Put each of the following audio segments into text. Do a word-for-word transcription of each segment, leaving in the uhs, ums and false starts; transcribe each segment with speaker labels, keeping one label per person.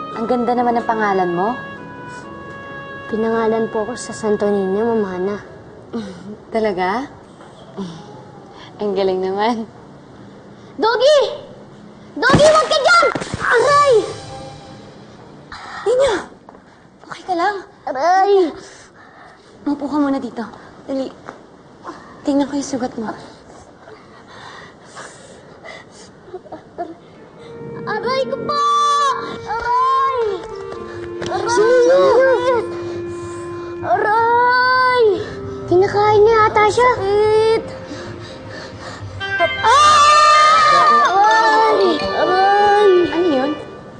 Speaker 1: Ang ganda naman ng pangalan mo.
Speaker 2: Pinangalan po ako sa Santo Niño, Ma'am Hana.
Speaker 1: Talaga? Ang galing naman.
Speaker 2: Doggy! Doggy, huwag ka dyan! Aray!
Speaker 1: Niño! Okay ka lang?
Speaker 2: Aray!
Speaker 1: Maupo ka muna dito. Dali. Tingnan ko yung sugat mo.
Speaker 2: Aray ko po! Aray! Aray!
Speaker 1: Sino?
Speaker 2: Aray! Kinakain niya ata siya. Sakit! Ah! Aray! Aray!
Speaker 1: Ano yun?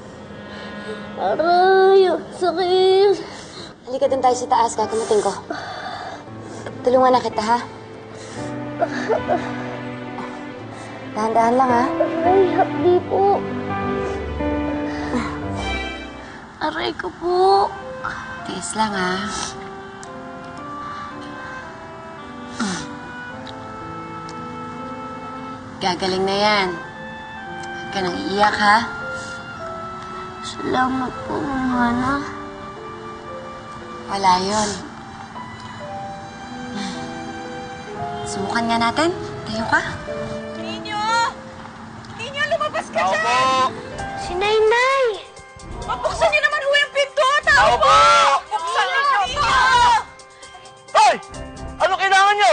Speaker 2: Aray! Sakit!
Speaker 1: Halika dun tayo sa taas, kakamutin ko. Tulungan na kita, ha? Dahan-dahan lang, ha?
Speaker 2: Aray, hapdi po. Aray ko po.
Speaker 1: Tiis lang, ha? Gagaling na yan. Huwag ka nang iiyak, ha?
Speaker 2: Salamat po, Ma'am Hana.
Speaker 1: Wala yun. Subukan nga natin. Tayo ka.
Speaker 3: Ninyo! Ninyo, lumabas ka
Speaker 4: Tao
Speaker 3: dyan!
Speaker 4: po!
Speaker 2: Si Nainay!
Speaker 3: Mabuksan niyo naman ho yung pinto! Tao po! Buksan niyo! Ninyo!
Speaker 4: Hoy! Ano kailangan nyo?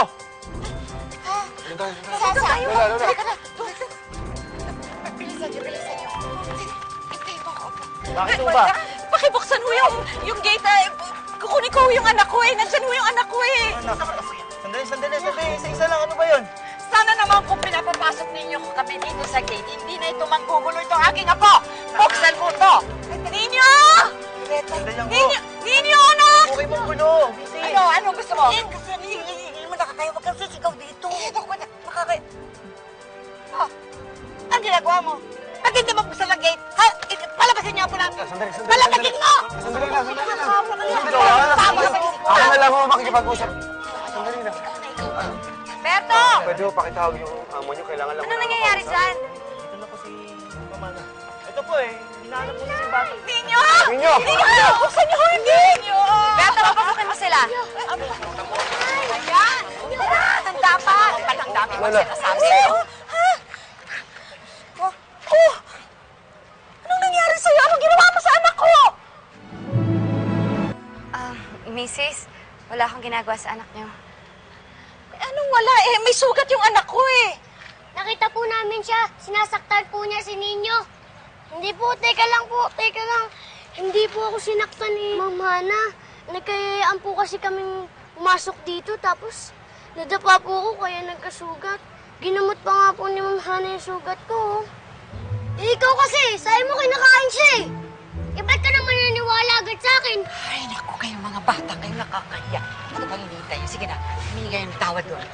Speaker 3: Saan tayo?
Speaker 4: Lola, Lola.
Speaker 3: Halika na. Bilisan niyo, bilisan niyo. Hintayin mo ako.
Speaker 4: Bakit ho ba?
Speaker 3: Pakibuksan ho yung, yung gate. Eh. Kukunin ko ho yung anak ko eh. Nandyan ho yung anak ko eh.
Speaker 4: Sandali, sandali, sandali. Isa-isa lang. Ano ba yun?
Speaker 3: Sana naman kung pinapapasok ninyo kami dito sa gate, hindi na ito manggugulo itong aking apo. Buksan mo to. Ninyo!
Speaker 4: Sandali lang po.
Speaker 3: Ninyo! Ninyo, anak!
Speaker 4: Okay mong gulo. Busy.
Speaker 3: Ano? Ano gusto mo? Eh, kasi hindi mo nakakaya. Huwag kang sisigaw dito. Eh, ako ba nakakaya? Oh, ang ginagawa mo? Ba't hindi mo buksan ang gate? Ha? Palabasin niyo po lang.
Speaker 4: Sandali, sandali.
Speaker 3: Palabasin mo!
Speaker 4: Sandali lang, sandali lang.
Speaker 3: Sandali
Speaker 4: Ako
Speaker 3: lang.
Speaker 4: Ako na lang ho makikipag-usap. Sandali lang.
Speaker 3: Berto!
Speaker 4: Pwede ho pakitawag yung amo nyo. Kailangan lang.
Speaker 3: Ano nangyayari dyan?
Speaker 4: Dito na po si Mamana. Ito po eh. Hinahanap po si Bata.
Speaker 3: Ninyo!
Speaker 4: Ninyo!
Speaker 3: Ninyo! Buksan niyo yung gate! Ninyo! Berto, papasukin mo sila. Ayan! Handa pa! Ang dami mo
Speaker 4: Lola.
Speaker 3: sinasabi. Ha? Oh! Oh! Anong nangyari sa'yo? Anong ginawa mo sa anak ko?
Speaker 1: Ah, Missus, wala akong ginagawa sa anak niyo.
Speaker 3: Anong wala eh? May sugat yung anak ko eh.
Speaker 2: Nakita po namin siya. Sinasaktan po niya si Ninyo. Hindi po, teka lang po, teka lang. Hindi po ako sinaktan ni Ma'am Hana. Nagkayayaan po kasi kaming pumasok dito, tapos nadapa po ako kaya nagkasugat. Ginamot pa nga po ni Ma'am Hana yung sugat ko. Eh, ikaw kasi, sabi mo kinakain siya eh. Eh, ba't ka naman naniwala agad sa akin?
Speaker 3: Ay, naku, kayong mga bata, kayong nakakahiya. Ito bang hinihintay niyo? Sige na, humingi kayo ng tawad doon.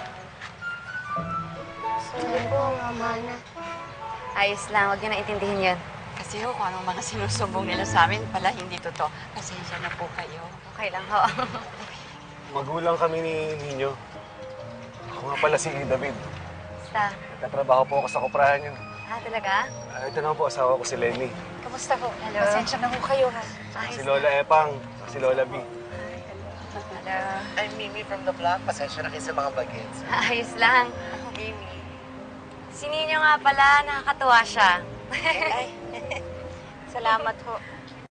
Speaker 2: Sorry po, Ma'am Hana.
Speaker 1: Ayos lang, huwag niyo na intindihin yun.
Speaker 3: Kasi ho, kung anong mga sinusumbong nila sa amin, pala hindi totoo. Pasensya na po kayo.
Speaker 1: Okay lang ho.
Speaker 4: Magulang kami ni Ninyo. Ako nga pala si David.
Speaker 1: Basta.
Speaker 4: Nagtatrabaho po ako sa kuprahan nyo.
Speaker 1: Ah, talaga?
Speaker 4: Ah, ito naman po, asawa ko si Lenny.
Speaker 3: Kamusta ho?
Speaker 1: Hello.
Speaker 3: Pasensya na ho kayo, ha?
Speaker 1: Ayos.
Speaker 4: Si Lola Epang, si Lola B.
Speaker 1: Hello.
Speaker 5: I'm Mimi from the vlog. Pasensya na kayo sa mga bagets.
Speaker 1: Ayos lang.
Speaker 3: Mimi.
Speaker 1: Si Ninyo nga pala, nakakatuwa siya.
Speaker 3: Ay, salamat ho.